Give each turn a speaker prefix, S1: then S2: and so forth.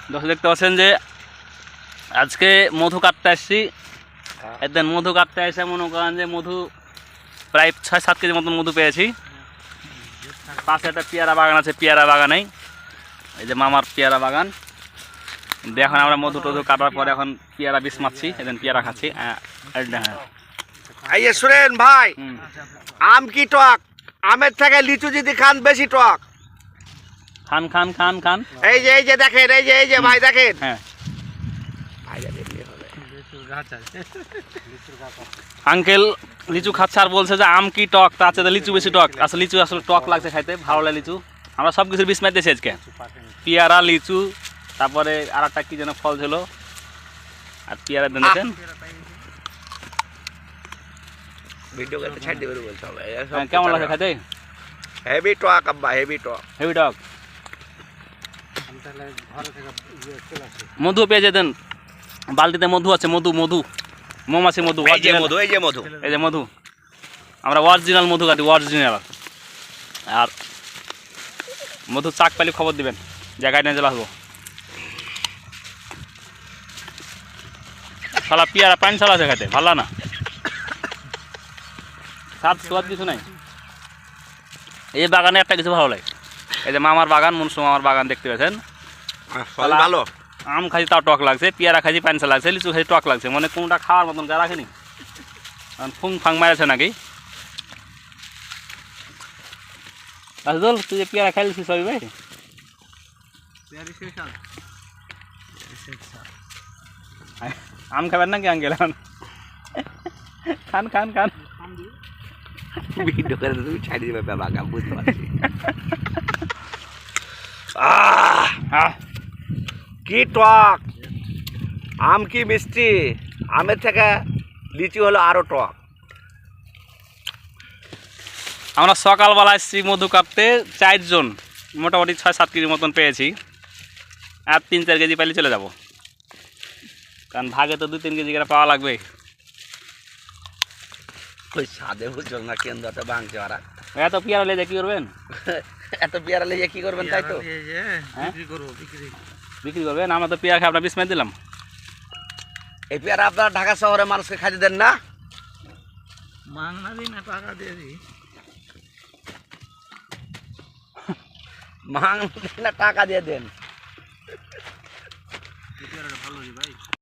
S1: দর্শক দেখতে পাচ্ছেন যে আজকে মধু কাটতে আসছি। একদিন মধু কাটতে এসে মনে করেন যে মধু প্রায় 6-7 কেজি মতন মধু পেয়েছি। পাশে একটা পেয়ারা বাগান আছে, পেয়ারা বাগানেই এই যে মামার পেয়ারা বাগান। এখন আমরা মধু টধু কাটার পরে এখন পেয়ারা বিষ মারছি, এদিন পেয়ারা খাচ্ছি।
S2: এই যে শুনেন ভাই, আম কি টক? আমের থেকে লিচু যদি খান বেশি টক।
S1: খান খান খান খান।
S2: এই যে দেখেন, এই যে ভাই দেখেন।
S1: হ্যাঁ আঙ্কেল লিচু খাচ্ছে আর বলছে যে আম কি টক, তার চেয়ে লিচু বেশি টক। আসলে লিচু আসলে টক লাগছে খাইতে, ভালো লাগে লিচু। আমরা সব কিছুর বিষ মারতেছি আজকে, পেয়ারা লিচু, তারপরে আর একটা কি যেন ফল ছিল, আর পেয়ারা দেখেন
S2: ভিডিও করতে ছাড় দিবে বলতে হবে।
S1: কেমন লাগে খাইতে?
S2: হেভি টক আব্বা, হেভি টক,
S1: হেভি টক। মধু পেয়ে যেতেন, বালতিতে মধু আছে, মধু মধু মৌমাছি মধু।
S2: এই যে মধু, এই যে মধু,
S1: এই যে মধু। আমরা অরিজিনাল মধু কাটি, অরিজিনাল। আর মধু চাক পাইলে খবর দিবেন, জায়গায় নিয়ে চলে আসবো। শালা পেয়ারা পানি ছাড়া আছে খাইতে, ভালো না, স্বাদ স্বাদ কিছু নাই। এই বাগানে একটা কিছু ভালো লাগে, এই যে মামার বাগান, মনসু মামার বাগান দেখতে পাচ্ছেন।
S2: ভালো
S1: আম খাইছি তাও টক লাগছে, পেয়ারা খাইছি পানসা লাগছে, লিচু খাইছি টক লাগছে। মানে কোনটা খাওয়ার মতন গা রাখেনি, ফুং ফাং মারেছে নাকি। রাজদুল তুই যে পেয়ারা খাইলিস সবই ভাই, আম খাবেন নাকি আঙ্কেল? খান খান খান।
S2: ভিডিও করে তুমি ছাড় দিবে বাবা, বুঝতে পারছি। কি টক, আম কি মিষ্টি। আমের থেকে লিচু হলো আরো টক।
S1: আমরা সকালবেলা এসেছি মধু কাটতে, 4 জন, মোটামুটি 6-7 কেজি মতন পেয়েছি। আর 3-4 কেজি পাইলে চলে যাব, কারণ ভাগে তো 2-3 কেজি করে পাওয়া লাগবে।
S2: ওই সাদে বুঝল না কেন্দ্রটা ভাঙছে ওরা।
S1: এত পেয়ারা লেজে কি করবেন?
S2: এত পেয়ারা লেগে কি করবেন তাই তো?
S1: বিক্রি করবেন? আমরা তো পেয়ারা খাই, আপনার বিষ মেরে দিলাম।
S2: এই পেয়ারা আপনারা ঢাকা শহরে মানুষকে খাইতে দেন না?
S3: মাংনা দিন না, টাকা দিয়ে দিই।
S2: টাকা দিয়ে দেন।
S3: ভালো ভাই।